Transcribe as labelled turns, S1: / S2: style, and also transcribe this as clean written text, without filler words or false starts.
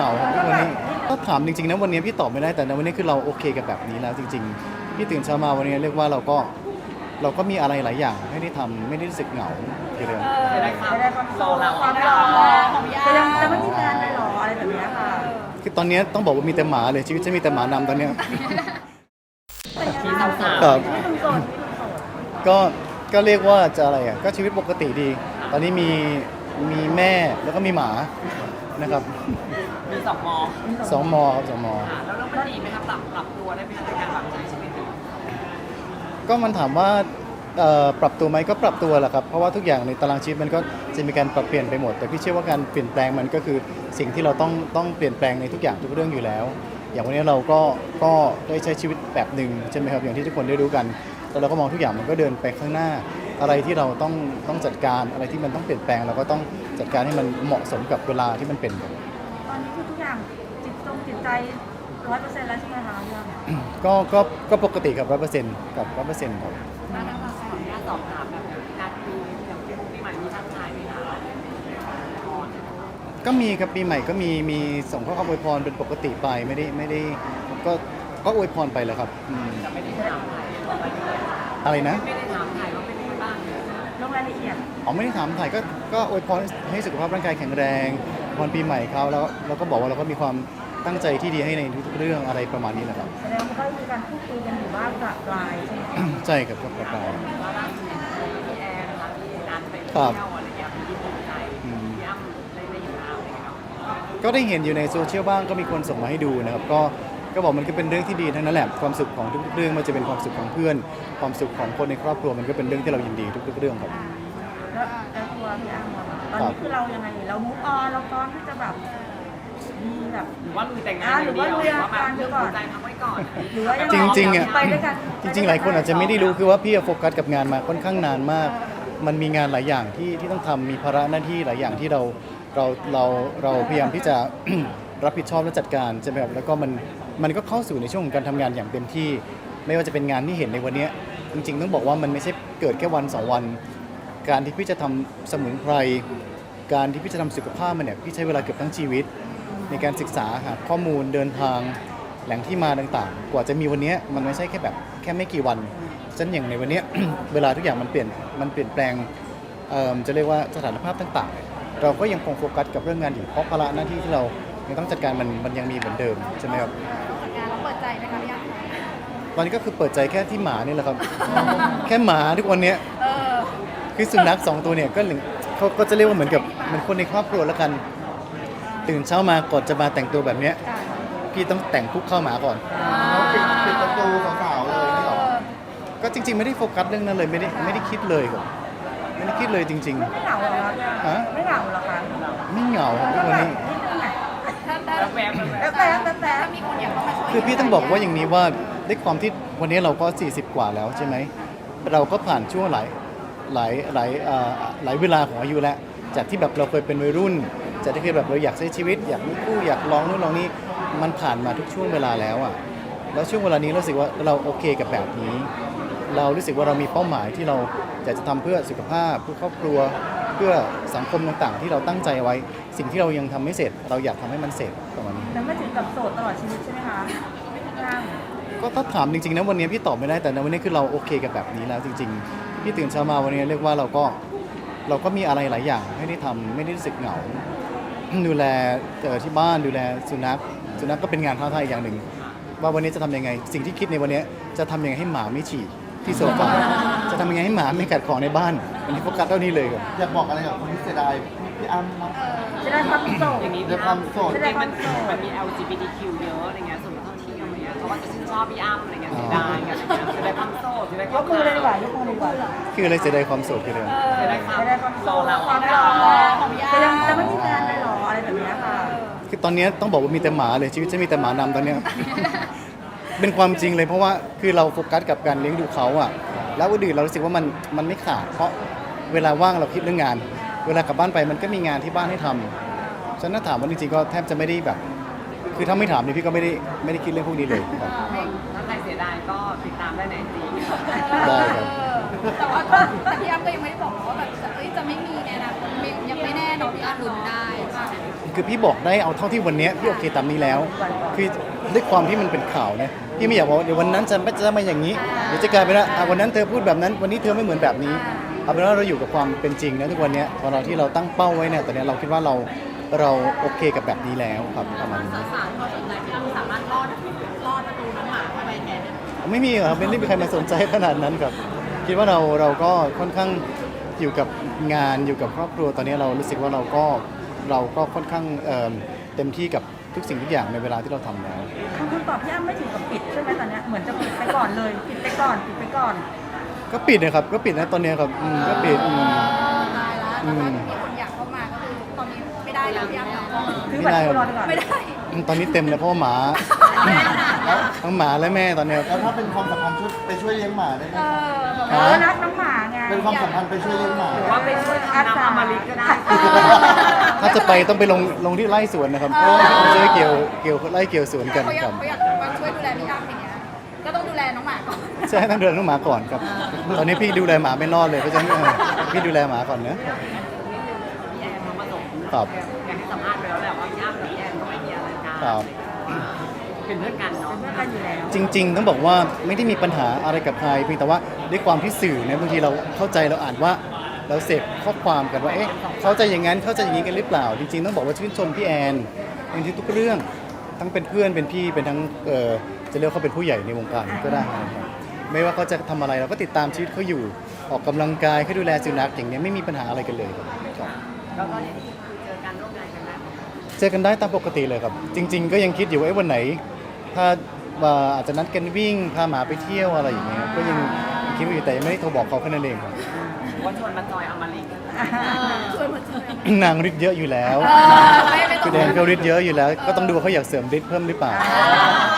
S1: าครับวันนี้ก็ถามจริงๆนะวันนี้พี่ตอบไม่ได้แต่ในวันนี้คือเราโอเคกับแบบนี้แล้วจริงๆพี่ตื่นเช้ามาวันนี้เรียกว่าเราก็มีอะไรหลายอย่างให้ได้ทำไม่ได้รู้สึกเหงาทีเดียว
S2: จะได้ความ
S3: จะได้ความ
S2: รอเรา
S3: ความรอของพี่จะไม่มีงานเลยหรออะไรแบบนี้ค่ะ
S1: คือตอนนี้ต้องบอกว่ามีแต่หมาเลยชีวิตจะมีแต่หมานำตอนเนี้ย
S2: ที่สาว
S1: ครับ
S3: ที่หนุ่มโสด
S1: ก็เรียกว่าจะอะไรอ่ะก็ชีวิตปกติดี ตอนนี้มีแม่แล้วก็มีหมานะครับ
S2: ๆมีสองมอ
S1: สองมอครับสองมอ
S2: ค่ะแล้วมันดีไหมครับปรับตัวได้ไหมคะในการแบบใช้ชีวิต
S1: ก็มันถามว่าปรับตัวไหมก็ปรับตัวแหละครับเพราะว่าทุกอย่างในตารางชีวิตมันก็จะมีการปรับเปลี่ยนไปหมด แต่พี่เชื่อว่าการเปลี่ยนแปลงมันก็คือสิ่งที่เราต้องเปลี่ยนแปลงในทุกอย่างทุกเรื่องอยู่แล้ว อย่างวันนี้เราก็ได้ใช้ชีวิตแบบหนึ่งใช่ไหมครับอย่างที่ทุกคนได้รู้กันแล้วเราก็มองทุกอย่างมันก็เดินไปข้างหน้า อะไรที่เราต้องจัดการอะไรที่มันต้องเปลี่ยนแปลงเราก็ต้องจัดการให้มันเหมาะสมกับเวลาที่มันเป็น
S3: ตอนนี้คือทุกอย่างจิตใจ100%แล้วใช่ไหมคะพี่อ้ำ
S1: ก็ปกติกับ100%กับ100%ครับ
S2: ถ้าทางขออนุญาตสอบถามแบบนัดมีอย่างปีใหม่มีทักทายไหมคะ
S1: ก็มีครับปีใหม่ก็มีส่งข้อความอวยพรเป็นปกติไปไม่ได้ก็อวยพรไปแหล้วครับ
S2: จะไม่ได้ถามถ่าย
S1: อะไรนะ
S2: ไม่ได้ถามถ่ายว่าเป็นยังไงบ้าง
S3: ลงรายละเอียด
S1: อ๋อไม่ได้ถามถ่ายก็อวยพรให้สุขภาพร่างกายแข็งแรงอวยพรปีใหม่เขาแล้วเราก็บอกว่าเราก็มีความตั้งใจที่ดีให้ในทุกๆเรื่องอะไรประมาณนี้แหละครับ
S3: แสดงว่าก็มีการพูดคุยกันอยู่บ้างประปรายใช่ไหมคะ
S1: ใช่ครับก็ประการ
S2: ว่าล่าสุดพี่แอนนะคะพี่นัดไปเที่
S1: ครั
S2: ยว
S1: บ
S2: อะไรอย่างเงี้ยพี่ภูมิใจพี่อ้ำได้เห็นแล้วอะไรอย่างเงี้ยเนาะ
S1: ก็ได้เห็นอยู่ในโซเชียลบ้างก็มีคนส่งมาให้ดูนะครับก็บอกมันก็เป็นเรื่องที่ดีทั้งนั้นแหละความสุขของทุกๆเรื่องมันจะเป็นความสุขของเพื่อน ความสุขของคนในครอบครัวมันก็เป็นเรื่องที่เรายินดีทุกๆเรื่องครับ
S3: แล้วตัวพี่อ้ำอะตอนนี้คือเรายังไงเรามุกออนเราพร้อมที่จะแบบมีแบบ
S2: หรือว่าลุยแต่งงานอย่างเดียวหรือว่าแบบเรื่องหัวใจพักไว้ก่อน
S3: หรือว่ายัง
S1: จริงๆอ่ะ
S3: ไปด้วยกัน
S1: จริงๆหลายคนอาจจะไม่ได้รู้คือว่าพี่โฟกัสกับงานมาค่อนข้างนานมาก มันมีงานหลายอย่างที่ต้องทำมีภาระหน้าที่หลายอย่างที่เราพยายามที่จะ รับผิดชอบและจัดการใช่ไหมครับแล้วก็มันก็เข้าสู่ในช่วงของการทำงานอย่างเต็มที่ ไม่ว่าจะเป็นงานที่เห็นในวันนี้จริงๆต้องบอกว่ามันไม่ใช่เกิดแค่วัน2วัน การที่พี่จะทำสมุนไพรการที่พี่จะทำสุขภาพมันเนี่ยพี่ใช้เวลาเกือบทั้งชีวิต ในการศึกษาหาข้อมูลเดินทางแหล่งที่มาต่างๆ กว่าจะมีวันนี้มันไม่ใช่แค่แบบแค่ไม่กี่วันฉะนั้นอย่างในวันนี้ เวลาทุกอย่างมันเปลี่ยนแปลงจะเรียกว่าสถานภาพต่างๆ เราก็ยังคงโฟกัสกับเรื่องงานอยู่เพราะภาระหน้าที่ที่เรายังต้องจัดการมันยังมีเหมือนเดิมใช่ไหมครับ
S4: จัดการแล้วเปิดใจไหมคะพี่อ้ำ
S1: ตอนนี้ก็คือเปิดใจแค่ที่หมานี่แหละครับ แค่หมาทุกวันเนี้ย
S4: เออ
S1: คือสุนัข2ตัวเนี่ยเขาก็จะเรียกว่าเหมือนกับมันคนในครอบครัวแล้วกัน ตื่นเช้ามาก่อนจะมาแต่งตัวแบบเนี้ยพี่ต้องแต่งคุกเข้าหมาก่อน
S5: ปิดประตูสาวๆเลยนี่หรอ
S1: ก็จริงๆไม่ได้โฟกัสเรื่องนั้นเลยไม่ได้คิดเลยครับไม่ได้คิดเลยจริง
S3: ไม่เหงาเหรอคะ
S1: ฮะ
S3: ไม่เหงาเหรอคะ
S1: ๆ ไม่เหงาครับทุกวันนี้
S2: แล้วแวบ
S3: แต่
S4: ถ้ามีคนอยากเข้ามาช่วย
S1: คือพี่ต้องบอกว่าอย่างนี้ว่าด้วยความที่วันนี้เราก็40กว่าแล้วใช่ไหมเราก็ผ่านช่วงหลายเวลาของอายุแล้วจากที่แบบเราเคยเป็นวัยรุ่นจากที่เคยแบบเราอยากใช้ชีวิตอยากมีคู่อยากลองนู่นลองนี่มันผ่านมาทุกช่วงเวลาแล้วอ่ะแล้วช่วงเวลานี้เรารู้สึกว่าเราโอเคกับแบบนี้ เรารู้สึกว่าเรามีเป้าหมายที่เราอยากจะทำเพื่อสุขภาพเพื่อครอบครัวเพื่อสังคมต่างๆ ที่เราตั้งใจไว้ สิ่งที่เรายังทำไม่เสร็จ เราอยากทำให้มันเสร็จประมาณนี้
S3: แล้วไม่ถึงกับโสดตลอดชีวิตใช่ไหมคะพี่อ้ำ
S1: ก็ถ้าถามจริงๆนะวันนี้พี่ตอบไม่ได้แต่ในวันนี้คือเราโอเคกับแบบนี้แล้วจริงๆพี่ตื่นเช้ามาวันนี้เรียกว่าเราก็มีอะไรหลายอย่างให้ได้ทำไม่ได้รู้สึกเหงา ดูแลที่บ้านดูแลสุนัขก็เป็นงานท้าทายอย่างหนึ่งว่าวันนี้จะทำยังไง สิ่งที่คิดในวันนี้จะทำยังไงให้หมาไม่ฉี่ที่โซฟาจะทำยังไงให้หมาไม่กัดของในบ้านอันนี้โฟกัสเท่านี้เลยครับ
S5: อยากบอกอะไรกับคนที่เสียดายพี่อ้ำมั้ง
S3: จะได้ความโสด
S2: อย่างนี้
S5: ด้วยความโสด
S2: จริงมันมี LGBTQ เยอะอะไรเงี้ยส่วนท่องเที่ยวอะไรเงี้ยเขาว่าจะชื่นชอบพี่อ้ำอะไรเงี้ยเสียดายกันอะไรเงี้ยจะได้ความโสดจะได้ค
S3: ย
S2: วาม
S3: กมือเลยดีกว่ายกมือเลยดีกว่า
S1: คืออะไรเสียดายความโสดคืออะไร
S2: จะได้ความ
S3: จะได้ความโส
S2: รอ
S3: ด
S2: เรา
S3: ความรอของพี่อ้ำจะไม่มีงานเลยหรออะไรแบบนี้ค่ะ
S1: คือตอนนี้ต้องบอกว่ามีแต่หมาเลยชีวิตจะมีแต่หมานำตอนเนี้ย เป็นความจริงเลยเพราะว่าคือเราโฟกัสกับการเลี้ยงดูเขาอะแล้วอื่นเรารู้สึกว่ามันไม่ขาดเพราะเวลาว่างเราคิดเรื่องงาน เวลากลับบ้านไปมันก็มีงานที่บ้านให้ทำฉะนั้นถ้าถามว่าจริงๆก็แทบจะไม่ได้แบบ คือถ้าไม่ถามเนี่ยพี่ก็ไม่ได้คิดเรื่องพวกนี้เลยครับ
S2: ถ้าใครเสียดายก็ติดตามได้ในจี
S1: ได้ครับ
S4: แต่ว่าแต่พี่อ้ำก็ยังไม่ได้บอกว่าแบบจะไม่มีในอนาคตยังไม่แน่เนอะพี่อ้ำลุ้นได้ใช่ไหม
S1: คือพี่บอกได้เอาเท่าที่วันเนี้ยพี่โอเคตามนี้แล้ว คือด้วยความที่มันเป็นข่าวเนี่ยพี่ไม่อยากบอกว่าเดี๋ยววันนั้นจะมาอย่างนี้เดี๋ยวจะกลายเป็นว่าวันนั้นเธอพูดแบบนั้นวันนี้เธอไม่เหมือนแบบนี้เอาเป็นว่าเราอยู่กับความเป็นจริงนะทุกวันเนี้ยพอเราที่เราตั้งเป้าไว้เนี่ยตอนเนี้ยเราคิดว่าเราโอเคกับแบบนี้แล้วครับประมาณนี้
S4: สาวๆเขาสนใจพี่อ้ำสามารถรอดประตูน้องหมาเข้าไปแทนได้ไหม
S1: ไม่มีครับไม่ได้มีใครมาสนใจขนาดนั้นครับคิดว่าเราก็ค่อนข้างอยู่กับงานอยู่กับครอบครัวตอนนี้เรารู้สึกว่าเราก็ค่อนข้างเต็มที่กับทุกสิ่งทุกอย่างในเวลาที่เราทำแล้ว
S3: คุณตอบพี่อ้ำไม่ถึงกับปิดใช่ไหมตอนเนี้ยเหมือนจะปิดไปก่อนเลยปิดไปก่อนปิดไปก่อน
S1: ก็ปิดนะครับก็ปิดนะตอนนี้ครับก็ปิด
S4: ตายแล้วแล้วถ้ามีคนอยากเข้ามาก็คือตอนนี้ไม่ได้แล้วพี่อ้ำเนาะ
S3: ซื้อบัตรคิวรอดีกว่า
S4: ไม่ได้
S1: ตอนนี้เต็มเลยเพราะว่าหมาทั้งหมาและแม่ตอนนี้ครับ
S5: แล้วถ้าเป็นความสัมพันธ์ชุดไปช่วยเลี้ยงหมาได้ไหม
S3: รักน้องหมาไง
S5: เป็นความสัมพันธ์ไปช่วยเลี้ยงหมา
S2: หรือว่าไปช่วยทำน้ำอมฤตก็ได้
S1: ถ้าจะไปต้องไปลงที่ไร่สวนนะครับไม่ใช่เกี่ยวไร่เกี่ยวสวนกัน
S4: เขาอ
S1: ค
S4: ยา
S1: รั
S4: ก
S1: บ
S4: มาช่วยดูแลพี่อ้ำอย่างเงี้ยก็ต้องดูแลน้องหมาก่อน
S1: ใช่ต้องดูแลน้องหมาก่อนครับตอนนี้พี่ดูแลหมาไม่รอดเลยเพราะฉะนั้นพี่ดูแลหมาก่อนเนอะ
S2: พี่แอนเขามาส่ง
S1: ครับ
S2: อยากให้สัมภาษณ์ไปแล้วแหละว่าพี่อ้ำกับพี่แอนก็ไม่มีอะไรกัน
S1: ครับ
S2: เป็นเพื่อนกันเนาะ
S3: เป็นเพื่อนกันอยู่แล้ว
S1: จริงๆต้องบอกว่าไม่ได้มีปัญหาอะไรกับใครเพียงแต่ว่าด้วยความที่สื่อเนี่ยบางทีเราเข้าใจเราอ่านว่าเราเสพข้อความกันว่าเอ๊ะเขาจะอย่างนั้นเขาจะอย่างนี้กันหรือเปล่า จริงๆต้องบอกว่าชื่นชมพี่แอนในทุกเรื่องทั้งเป็นเพื่อนเป็นพี่เป็นทั้งจะเรียกว่าเขาเป็นผู้ใหญ่ในวงการก็ได้นะครับไม่ว่าเขาจะทำอะไรเราก็ติดตามชีวิตเขาอยู่ออกกำลังกายเขาดูแลสุนัขอย่างเนี้ยไม่มีปัญหาอะไรกันเลยครับ
S2: แล้วก็อย่างที่คือเจอกันร่วมงานกันได้
S1: เจอกันได้ตามปกติเลยครับ จริง ๆ ก็ยังคิดอยู่ว่าวันไหน ถ้าอาจจะนัดกันวิ่งพาหมาไปเที่ยวอะไรอย่างเงี้ยก็ยังคิดว่าอยู่แต่ยังไม่ได้โทรบอกเขาแค่นั้นเองครับ
S2: ว่าชวนมาจอยอมฤต
S4: ช่วยมาช่วย
S1: นางฤทธิ์เยอะอยู่แล้ว
S4: ไม่ต้
S1: คือ อง แดนเขาฤทธิ์เยอะอยู่แล้ว ก็ต้องดูว่าเขาอยากเสริมฤทธิ์เพิ่มหรือเปล่า
S4: เ